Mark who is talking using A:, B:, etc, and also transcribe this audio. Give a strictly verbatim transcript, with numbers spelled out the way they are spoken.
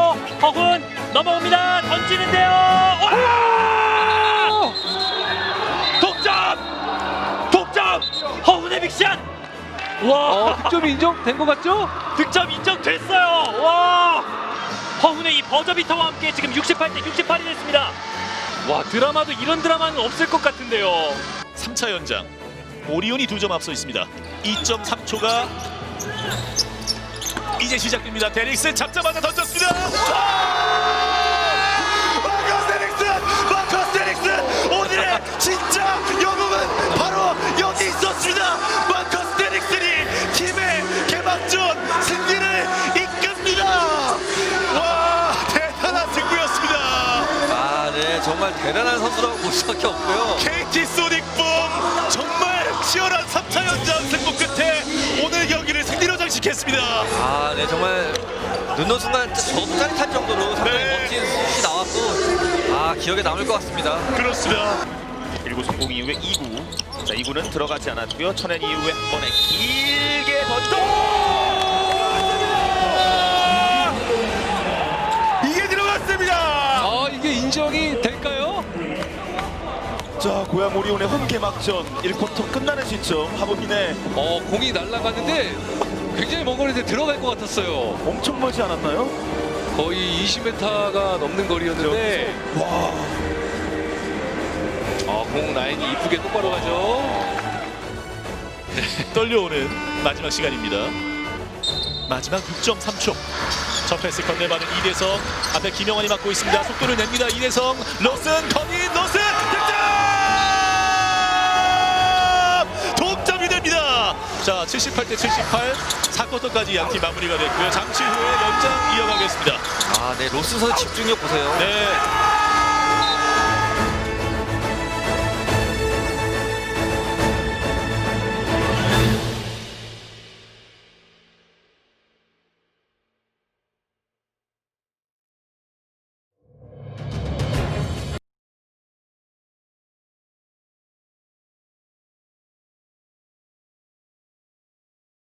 A: 허훈 넘어옵니다. 던지는데요. 와! 독점! 독점! 허훈의 빅샷! 와!
B: 어, 득점이 인정된 것 같죠?
A: 득점 인정됐어요. 와! 허훈의 이 버저비터와 함께 지금 육십팔 대 육십팔이 됐습니다. 와, 드라마도 이런 드라마는 없을 것 같은데요.
C: 삼 차 연장 오리온이 두 점 앞서 있습니다. 이 점 삼 초가 이제 시작됩니다. 데릭슨 잡자마자 던졌습니다. 마커스 데릭슨! 마커스 데릭슨! 오늘의 진짜 영웅은 바로 여기 있었습니다. 마커스 데릭슨이 팀의 개막전 승리를 이끕니다. 와, 대단한 승부였습니다.
D: 아, 네, 정말 대단한 선수라고 볼 수밖에 없고요.
C: 케이티 소닉붐 정말 치열한 삼 차 연장 승부 끝에 오늘 경기를 승리로 장식했습니다.
D: 아, 네, 정말 눈놓은 순간 저도 짜릿할 정도로 상당히
C: 네.
D: 멋진 슛이 나왔고, 아, 기억에 남을 것 같습니다.
C: 그렇습니다.
E: 일 구 성공 이후에 이 구. 자, 이 구는 들어가지 않았고요. 천엔 이후에 한 번에 길게 던져.
C: 이게 들어갔습니다.
B: 아, 이게 인정이 될까요?
E: 자, 고양 오리온의 홈 개막전 일 쿼터 끝나는 시점 하보민의
B: 어, 공이 날아가는데 굉장히 먼 거리에 들어갈 것 같았어요.
E: 엄청 멀지 않았나요?
B: 거의 이십 미터가 넘는 거리였는데,
E: 와,
B: 어, 공 라인이 이쁘게 똑바로 가죠.
C: 떨려오는 마지막 시간입니다. 마지막 육 점 삼 초. 첫 패스 건네받은 이대성. 앞에 김영환이 맡고 있습니다. 속도를 냅니다. 이대성. 로슨 커닝 로슨 득점! 동점이 됩니다. 자, 칠십팔 대 칠십팔. 사 쿼터까지 양팀 마무리가 됐고요. 잠시 후에 연장 이어가겠습니다.
D: 아, 네, 로스 선수 집중력 보세요.
C: 네.